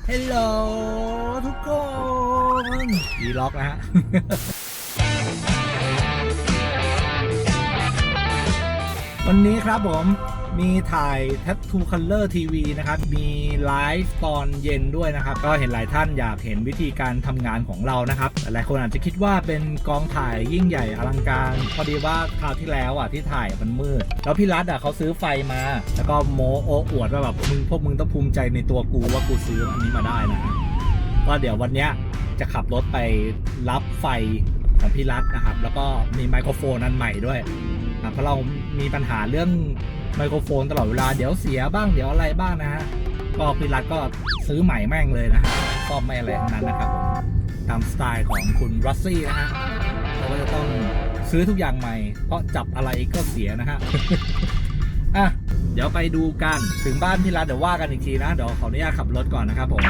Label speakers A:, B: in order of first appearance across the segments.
A: ฮัลโหลทุกคนดีล็อกนะฮะ วันนี้ครับผมมีถ่าย Tattoo Color TV นะครับมีไลฟ์ตอนเย็นด้วยนะครับก็เห็นหลายท่านอยากเห็นวิธีการทำงานของเรานะครับหลายคนอาจจะคิดว่าเป็นกองถ่ายยิ่งใหญ่อลังการพอดีว่าคราวที่แล้วที่ถ่ายมันมืดแล้วพี่รัฐเขาซื้อไฟมาแล้วก็โม้โอ้อวดว่าแบบพวกมึงต้องภูมิใจในตัวกูว่ากูซื้ออันนี้มาได้นะก็เดี๋ยววันนี้จะขับรถไปรับไฟของพี่รัฐนะครับแล้วก็มีไมโครโฟนอันใหม่ด้วยเพราะเรามีปัญหาเรื่องไมโครโฟนตลอดเวลาเดี๋ยวเสียบ้างเดี๋ยวอะไรบ้างนะฮะก็พี่รัฐก็ซื้อใหม่แม่งเลยนะฮะซ่อมไม่อะไรทั้งนั้นนะครับผมตามสไตล์ของคุณรัสซี่นะฮะเราก็จะต้องซื้อทุกอย่างใหม่เพราะจับอะไรก็เสียนะฮะ อ่ะเดี๋ยวไปดูกันถึงบ้านพี่รัฐเดี๋ยวว่ากันอีกทีนะเดี๋ยวขออนุญาตขับรถก่อนนะครับผม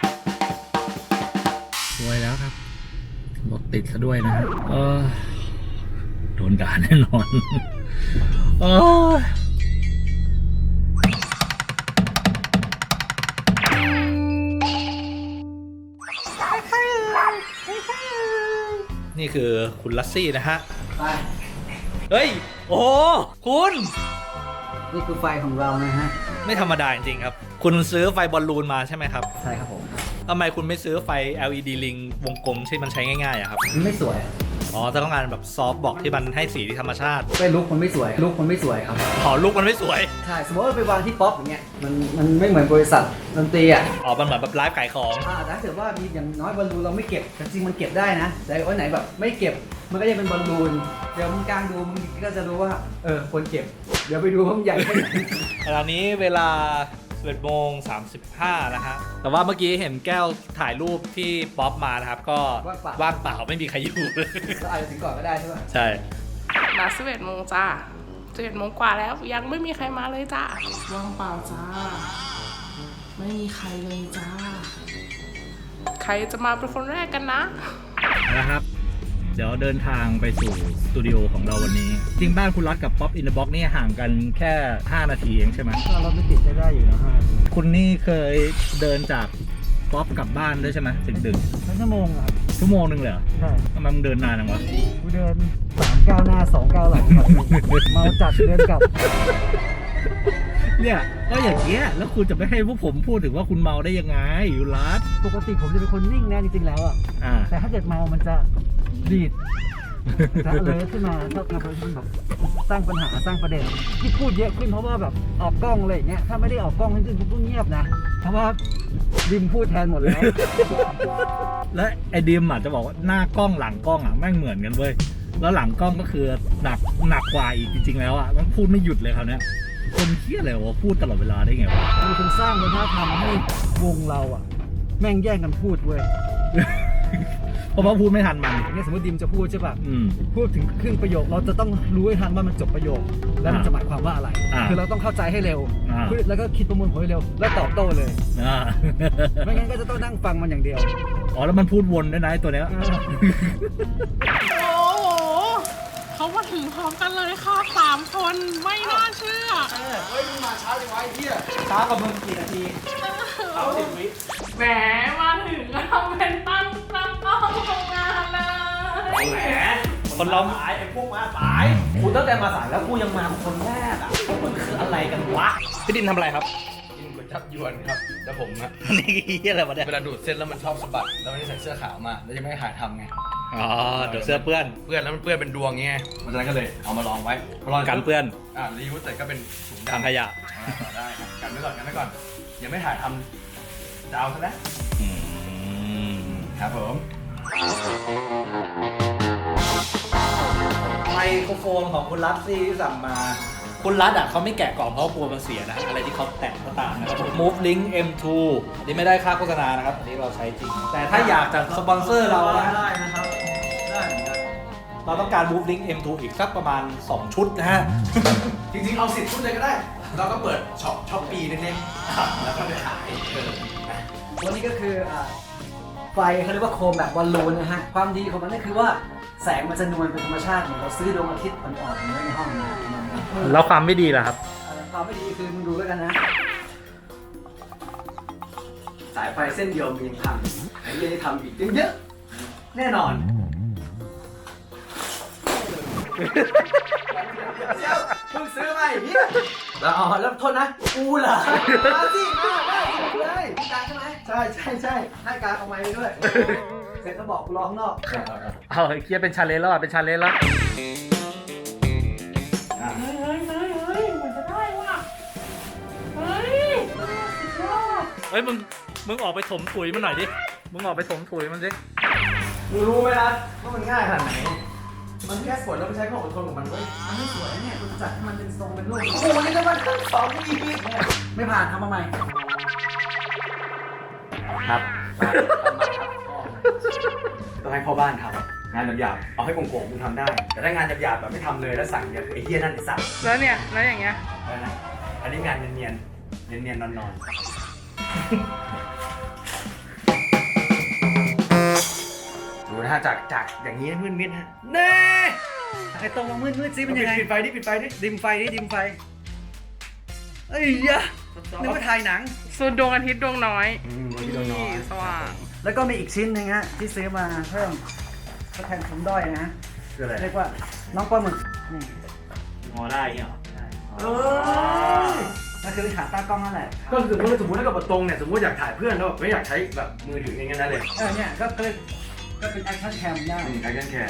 A: สวยแล้วครับรถติดซะด้วยนะฮะโดนด่าแน่นอนนี่คือคุณลัสซี่นะฮะเฮ้ยโอ้คุณ
B: นี่คือไฟของเรานะฮะ
A: ไม่ธรรมดาจริงๆครับคุณซื้อไฟบอลลูนมาใช่ไหมครับ
B: ใช่ครับผม
A: ทำไมคุณไม่ซื้อไฟ LED ลิงวงกลมที่มันใช้ง่ายๆอะครับ
B: มันไม่สวย
A: อ๋อจะต้องการแบบซอฟต์บอกที่มันให้สีที่ธรรมชาติ
B: ไม่ลุกมันไม่สวยลุกมันไม่สวยครับ
A: อ๋อลุกมันไม่สวย
B: ใช่สมมติว่าไปวางที่ป๊อปอย่างเงี้ยมันไม่เหมือนบริษัทดนตรี
A: อ๋อมันเหมือนแบบไลฟ์ขายของ
B: ถ้าเกิดว่ามีอย่างน้อยบอลลูนเราไม่เก็บแต่จริงมันเก็บได้นะแต่วันไหนแบบไม่เก็บมันก็จะเป็นบอลลูนเดี๋ยวมึงกางดูมึงก็จะรู้ว่าควรเก็บเดี๋ยวไปดูว่ามันใหญ่แค่ไหน
A: ตอนนี้เวลา11:35นะฮะแต่ว่าเมื่อกี้เห็นแก้วถ่ายรูปที่ป๊อปมานะครับก็ว่างเปล่าไม่มีใครอยู่เลย
B: ก็อาจจะถึงก่อนก็ได้ใช่ไหม
A: ใช่
C: มา11 โมงจ้า11 โมงกว่าแล้วยังไม่มีใครมาเลยจ้าว่างเปล่าจ้าไม่มีใครเลยจ้าใครจะมาเป็นคนแรกกัน
A: นะครับเดี๋ยวเดินทางไปสู่สตูดิโอของเราวันนี้จริงบ้านคุณรัฐกับป๊อปอินเดอะบ็อกนี่ห่างกันแค่5 นาทีเองใช่ไหม
B: เราไม่ติดได้อยู่นะ5
A: คุณนี่เคยเดินจากป๊อปกลับบ้านด้วยใช่ไหมดึก
B: ๆชั่วโมงอ่ะ
A: ชั่วโมงนึงเลยเหรอ
B: ใช่
A: ทำไมมึงเดินนานจังวะ
B: กูเดิน3 ก้าวหน้า2 ก้าวหลังเมาจัดเดินกลับ
A: เนี่ยก็อย่างเงี้ยแล้วคุณจะไม่ให้พวกผมพูดถึงว่าคุณเมาได้ยังไงอยู่รัฐ
B: ปกติผมจะเป็นคนนิ่งนะจริงๆแล้วแต่ถ้าเกิดเมามันจะดีดถ้าเลยขึ้นมาถ้าทำอะไรที่แบบสร้างปัญหาสร้างประเด็นที่พูดเยอะขึ้นเพราะว่าแบบออกกล้องอะไรอย่างเงี้ยถ้าไม่ได้ออกกล้องจริงๆผมก็เงียบนะเพราะว่าดิมพูดแทนหมดแล้ว
A: และไอ้ดิมจะบอกว่าหน้ากล้องหลังกล้องแม่งเหมือนกันเว้ยแล้วหลังกล้องก็คือหนักกว่าอีกจริงๆแล้วมันพูดไม่หยุดเลยคราวนี้คนเที่ยอะไรวะพูดตลอดเวลาได้ไงวะ
B: มันเป็นสร้างวัฒนธรรมให้วงเราแม่งแย่งกันพูดเว้ย
A: เพราะว่าพูดไม่ทันมัน
B: เนี่ยสมมติดิมจะพูดใช่ป่ะพูดถึงครึ่งประโยคเราจะต้องรู้ให้ทันว่ามันจบประโยคแล้วมันจะหมายความว่าอะไรคือเราต้องเข้าใจให้เร็วแล้วก็คิดประมวลผลให้เร็วแล้วตอบโต้เลยไม่งั้นก็จะต้องนั่งฟังมันอย่างเดียว
A: อ๋อแล้วมันพูดวนด้วยนะตัวเนี้ย
C: โอ้โหเขามาถึงพร้อมกันเลยค่ะ3 คนไม่น่าเชื่อ
B: เฮ้ยมึงมาช้าจังวะไอ้เหี้ยช้ากับมึงกี่นาที
C: เอา10 วิแหมมาถึงแล้วเป็นตั้งทำงานเลย
A: แหมคนเราสายไอ้พวกมาสาย
B: กูตั้งแต่มาสายแล้วกูยังมาคนแรก
A: มันคืออะไรกันวะพี่ดินทำอะไรครับ
D: กินก๋วยจั๊บยวนครับแล้วผม
A: นี่อะไรวะเนี่ย
D: เวลาดูดเส้นแล้วมันชอบสะบัดแล้ววันนี้ใส่เสื้อขาวมาแล้วจะไม่ให้ถ่ายทำไง
A: อ๋อเดี๋ยวเสื้อเปื้อน
D: แล้วมันเปื้อนเป็นดวงไงเพราะฉะนั้นก็เลยเอามาลองไว้
A: กันเปื้อน
D: รียูสแต่ก็เป็นถุง
A: ถังขยะ
D: ได้กันไว้ก่อนยังไม่ถ่ายทำจะเอาซะแล้วครับผม
A: ไมโครโฟนของคุณรัฐซี่ที่สั่งมาคุณรัฐเขาไม่แกะกล่องเพราะกลัวมันเสียนะอะไรที่เขาแตะก็ตามนะครับ Move Link M2 อันนี้ไม่ได้ค่าโฆษณานะครับอันนี้เราใช้จริงแต่ถ้าอยากจะสปอนเซอร์เรา
B: ได้นะครับได้เหมือนกัน
A: เราต้องการ Move Link M2 อีกสักประมาณ2 ชุดนะฮะ
D: จริงๆเอา10 ชุดเลยก็ได้เราก็เปิดช็อปปีเล็กๆแล้วก็ไปขาย
B: วันนี้ก็คือไฟเขาเรียกว่าโคมแบบบอลลูนนะฮะความดีของมันก็คือว่าแสงมันจะนวลเป็นธรรมชาติเหมือนเราซื้อดวงอาทิตย์อ่อนๆไว้ในห้องนะ
A: แล้วความไม่ดีล่ะครับ
B: ความไม่ดีคือมึงดูแล้วกันนะ
E: สายไฟเส้นเดียวมีพังไอ้เรื่องที่ทำอีกเยอะแน่นอนเพิ่งซื้อมาอย่างนี้แล้วอ๋อแล้วโทษนะกูเหรอมาสิมาเลยพี่การใช่ไหมใช่ให้การเอาไม้ไปด้วยเสร็จแล้วบอกกูรอข้างนอก
A: เอาเคลียร์เป็นชาเลนจ์แล้วเป็นชาเลนจ์แล้ว
C: เฮ้ยเหมือนจะได้ว่ะเฮ้ยสุดยอด
A: เฮ้ยมึงออกไปถมถุยมันหน่อยดิมึงออกไปถมถุยมันสิ
E: มึงรู้ไหมนะว่ามันง่ายขนาดไหนมันแค่กดแล้วไปใช้ความอดทนของมันเว้ย
B: มันไม่สวยเนี่ยคุณจัดให้มันเป็นทรงเป็นรูป
E: โอ้โหนี่ก็มันทั้งสองอีก
B: ไม่ผ่านทำมาใหม่
A: ครับ
E: ต้องให้พ่อบ้านทำงานหยาบๆเอาให้โกงๆมึงทำได้ แต่ถ้างานหยาบๆแบบไม่ทำเลยแล้วสั่งเนี่ยคือไอ้เหี้ยนั่นไอ้สัตว์
C: แล้วเนี่ยแล้วอย่างเงี้ย
E: อะไรนะอันนี้งานเนียนๆนอนๆดูนะฮะจากอย่างนี้มืดมิดฮะเน่
B: ไอ้ตรงมามืดๆซิเป็นยังไง
E: ปิดไฟดิดิ
B: ดิมไฟเอ้ยยะนึกว่าถ่ายหนัง
C: ส่วนดวงอาทิตย์ดวงน้อย
E: วันนี้เรานอน
C: สว่าง
B: แล้วก็มีอีกชิ้นหนึงฮะที่ซื้อมาเพิ่มทดแทนผมด้อยนะฮะ
E: คืออะไร
B: เรียกว่าน้องปลาหมึกนี่
A: งอได้เงี้ย
E: เอ้ย
B: ก็คือขาตั้งกล้องนั่นแหละ
E: ก็สมมติถ้ากับตรงเนี่ยสมมติอยากถ่ายเพื่อนแล้วแบบไม่อยากใช้แบบมือถืออย่างเงี้ยนั่นเลย
B: เนี่ยก็เป็นแอคชั่นแคมได้
E: การแค่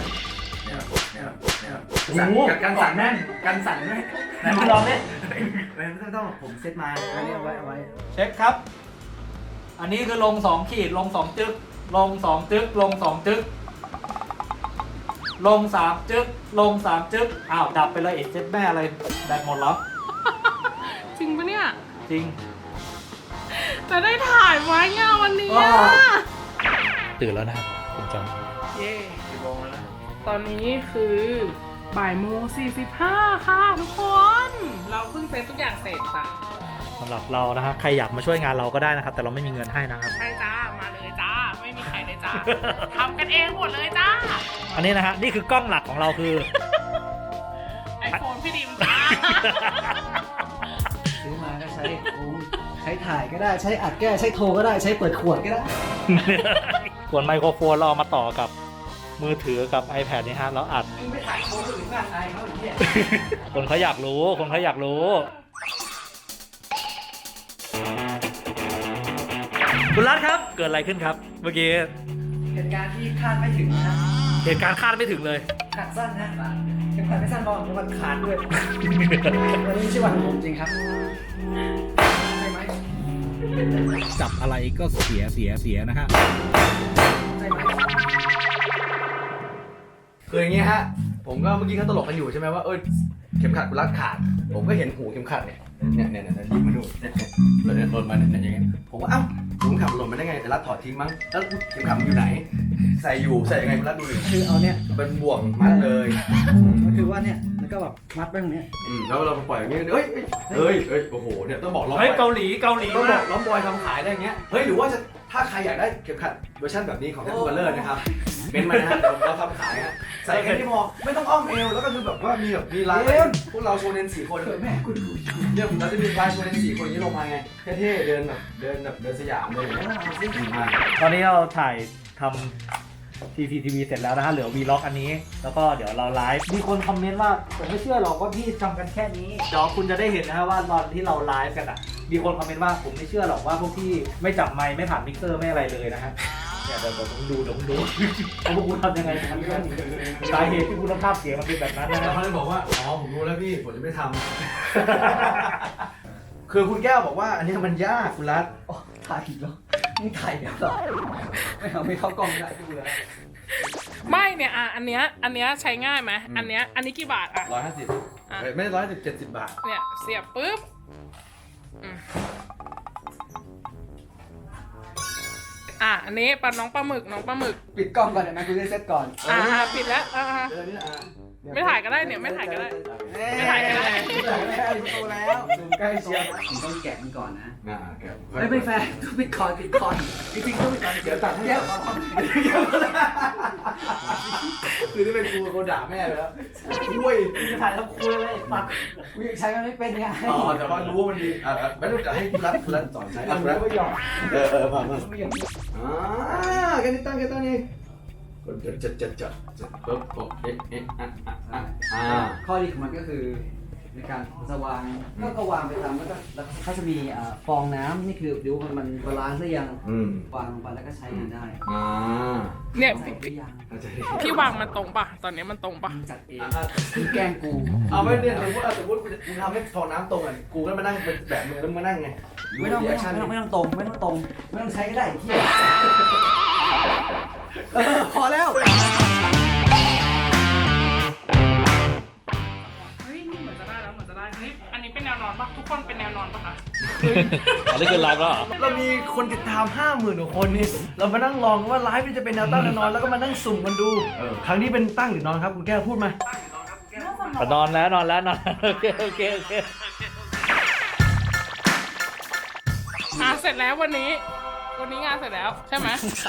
E: การสั่นแน่นการสั่นแน่น
A: ไหนมึงลองดิ
E: ไม่ต้องผมเซตมา
B: อันนี้เอาไว้
A: เช็คครับ อันนี้คือลง2ขีดลง2จึ๊กลง2จึ๊กลง2จึ๊กลง3จึ๊กลง3จึ๊กอ้าวดับไปเลยเจ็ดแม่อะไรแบตหมดแล้ว
C: จริงปะเนี่ย
A: จริง
C: จะได้ถ่ายไว้เนี่ยวันนี้อะ
A: ตื่นแล้วนะครับคุณจอม
C: เย้ตอนนี้คือบ่ายโมง45ค่ะทุกคน เราเพิ่งเซ็ตทุกอย่างเสร็จจ้ะ
A: สำหรับเรานะครับใครอยากมาช่วยงานเราก็ได้นะครับ แต่เราไม่มีเงินให้นะครับ
C: ใช่จ้า มาเลยจ้า ไม่มีใครเลยจ้า ทำกันเองหมดเลยจ้า
A: อันนี้นะฮะนี่คือกล้องหลักของเราคือ
C: ไอโฟนพี่ดิมจ้า
B: ซื้อมาก็ใช้ใช้ถ่ายก็ได้ใช้อัดก็ได้ใช้โทรก็ได้ใช้เปิดขวดก็ได้
A: ส่วนไมโครโฟนเราเอามาต่อกับมือถือกับ iPad นี่ฮะแล้วอัด
B: ไม่ถ่ายโทรถึงงานไอเขาอย่างเงี้ย
A: คนเขาอยากรู้คนเขาอยากรู้ คุณรัฐครับ เกิดอะไรขึ้นครับ เมื่อกี้
B: เหตุการณ์ที่คาดไม่ถึงนะ
A: เหตุการณ์คาดไม่ถึงเลย
B: ขาดสั้นนะยังขาดไม่สั้นพอมันขาดด้วยวันนี้ไม่ใช่วันของผมจริงครับใช่ไหม
A: จับอะไรก็เสียนะฮะ
B: ใช่ไหม
E: คืออย่างเงี้ยฮะผมก็เมื่อกี้เขาตลกกันอยู่ใช่ไหมว่าเข็มขัดกูรัดขาดผมก็เห็นหูเข็มขัดเนี่ยยิงมาดูเนี่ยหล่นมาเนี่ยอย่างเงี้ยผมว่าเอ้าหูเข็มขัดหล่นมาได้ไงแต่รัดถอดทิ้งมั้งแล้วเข็มขัดมันอยู่ไหนใส่ยังไงกูรัดดูดิ
B: คือเอาเนี่ย
E: เป็นบ่วงมัดเลย
B: ก็คือว่าเนี่ยแล้วก็แบบมัดไปตรงเนี้ย
E: แล้วเราปล่อยอย่างเงี้ยโอ้โหเนี่ยต้องบอกล้อม
A: เฮ้ยเกาหลีต้อง
E: บ
A: มา
E: อกล้อมบอยทำขายได้อย่างเงี้ยเฮ้ยหรือว่าถ้าใครอยากได้เข็มขัดเวอร์ชันแบบนี้ของแท็กทูคัลเลอร์นะครับเป็นมานะฮะเดี๋ยวเราทำขายฮะใส่แค่นี้พอไม่ต้องอ้อมเอวแล้วก็คือแบบว่ามีลายพวกเราโชเนน4 คน
B: แม่กูดู
E: เนี่ยเราจะมีลายโชเนน4 คนนี้ลงมาไงเท่ๆเดินสยามเลยมา
A: ตอนนี้เราถ่ายทำ CCTV เสร็จแล้วนะฮะเหลือ Vlog อันนี้ แล้วก็เดี๋ยวเราไลฟ์มีคนคอมเมนต์ว่าผมไม่เชื่อหรอกว่าพี่ทำกันแค่นี้เดี๋ยวคุณจะได้เห็นนะฮะว่าตอนที่เราไลฟ์กันอ่ะมีคนคอมเมนต์ว่าผมไม่เชื่อหรอกว่าพวกพี่ไม่จับไมค์ไม่ผ่านมิกเซอร์ไม่อะไรเลยนะฮะเนี่ยเดี๋ยวผมดูว่าพวกคุณทำยังไงกันสาเหตุที่คุณภาพเสียงมันเป็นแบบนั้นนะ
E: แล้ว
A: ฮะ
E: เขาเลยบอกว่าอ๋อผมรู้แล้วพี่ผมจะไม่ทำ คือคุณแก้วบอกว่าอันนี้มันยากคุณรัฐ
B: ถ่ายอีกแล้วมึงถ่ายแล้วเหรอไม่เข้ากล้องได้กูเลย
C: ไม่เนี่ยอันเนี้ยใช้ง่ายไหมอันนี้กี่บาทอ่ะ
E: 150ไม่ได้110 70 บาท
C: เนี่ยเสียบปุ๊บอันนี้น้องปลาหมึก
B: ปิดกล้องก่อนเดี๋ยวนะกูจะเซตก่อน
C: ปิดแล้ว
E: เจอนี่
C: ไม่ถ่ายก็ได้เนี่ยไม่ถ่ายก็ได้ ไม่ถ่ายก็ได้
E: โตแล้วดูใกล้เชียร์
B: ผมต้องแกะมันก่อนนะ
E: แก
B: ไม่แฟร์ต้องปิดคอนจริงๆต้องปิดคอน
E: เดี๋ยวตัดให้เดี๋ยวคือที่เป็นกูคนด่าแม่ไปแล้วอุ้ย
B: จะถ่ายแล้วคุยเลยปักกูยังใช้มันไม่เป็นไง
E: อ๋อแต่ว่ารู้ว่ามันดีไม่ต้องจะให้รัดสอนใช้รัดไม่ยอมผ่านมาแค่นี้ตั้งนี่กดจัดปุ๊บ
B: ข้อดีของมันก็คือในการจะวางก็วางไปตามแล้วก็เขาจะมีฟองน้ำนี่คือดูมันบาลานซ์หรือยังวางลงไปแล้วก็ใช้งานได้
C: เนี่ย
B: ใส่หรือยัง
C: พี่วางมันตรงปะตอนนี้มันตรงปะ
B: จัดเองคือแกล้งกู
E: เอาไม่เนี่ยสมมติกูทำให้ฟองน้ำตรงอ่ะกูก็มานั่งเป็นแบบมึงแล้วมานั่งไง
B: ไม่ต้องตรงไม่ต้องใช้ก็ได้ที่พอแล้ว
C: เฮ้ยนี่เหมือนจะได้แล้วเหมือนจะได้เฮ้ยอันนี้เป็นแนวนอนปะทุกคนเป็นแนวนอนปะคะ
A: อันนี้คือไลฟ์แล้วเหรอ
E: เรามีคนติดตาม 50,000 กว่าคนนี่เรามานั่งลองว่าไลฟ์มันจะเป็นแนวตั้งแนวนอนแล้วก็มานั่งสุ่มกันดูครั้งนี้เป็นตั้งหรือนอนครับคุณแก้วพูดมา
A: นอนแล้วโอเค
C: เสร็จแล้ววันนี้งานเสร็จแล้วใช่ไหม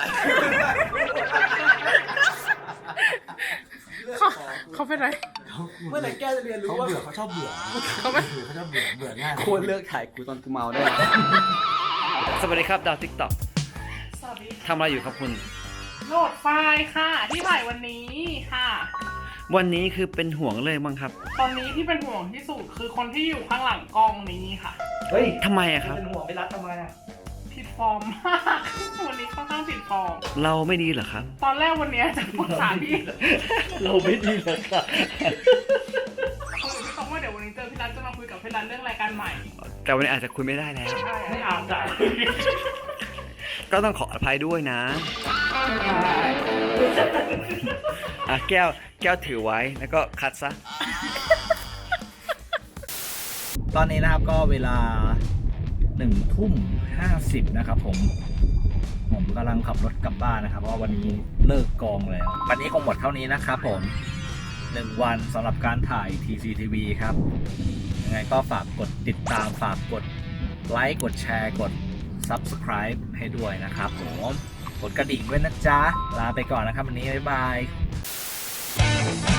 C: เขาเป็นไร
E: เมื่อไหร่แก้วจะเรียนรู้ว่าเขาชอบเบื่อ
C: เขาเป็น
E: เขาชอบเบื่อง่าย
B: ควรเลิกถ่ายกูตอนกูเมาได้
F: สวัสดีครับดาวทิกตอก
C: สวัสดี
F: ทำอะไรอยู่ครับคุณ
C: โหลดไฟล์ค่ะที่ถ่ายวันนี้ค่ะ
F: วันนี้คือเป็นห่วงเลยมั้งครับ
C: ตอนนี้ที่เป็นห่วงที่สุดคือคนที่อยู่ข้างหลังกล้องนี้ค่ะ
B: เฮ้ย
F: ทำไมอะครับ
B: เป็นห่วงไปรัดทำไมอ่ะ
C: ผิดฟอร์มมากวันนี้ค่อนข้างผิดฟอร์ม
F: เราไม่ดีเหรอครับ
C: ตอนแรกวันนี้จะปรึกษาพี่
F: เราไม่ดีเหรอครับ
C: คุยกับพี่ตองว่าเดี๋ยววันนี้เจอพี่รัฐจะมาคุยกับพี่รัฐเรื่องรายการใหม่
F: แต่วันนี้อาจจะคุยไม่ได้แล้ว
C: ใช่ไม่อาบได้
F: ก็ต้องขออภัยด้วยนะอ่ะแก้วถือไว้แล้วก็คัดซะ
A: ตอนนี้นะครับก็เวลา1:50นะครับผมกำลังขับรถกลับบ้านนะครับเพราะว่าวันนี้เลิกกองแล้ววันนี้คงหมดเท่านี้นะครับผม1 วันสำหรับการถ่าย TCTV ครับยังไงก็ฝากกดติดตามฝากกดไลค์กดแชร์กด Subscribe ให้ด้วยนะครับผมกดกระดิ่งด้วยนะจ๊ะลาไปก่อนนะครับวันนี้บ๊ายบาย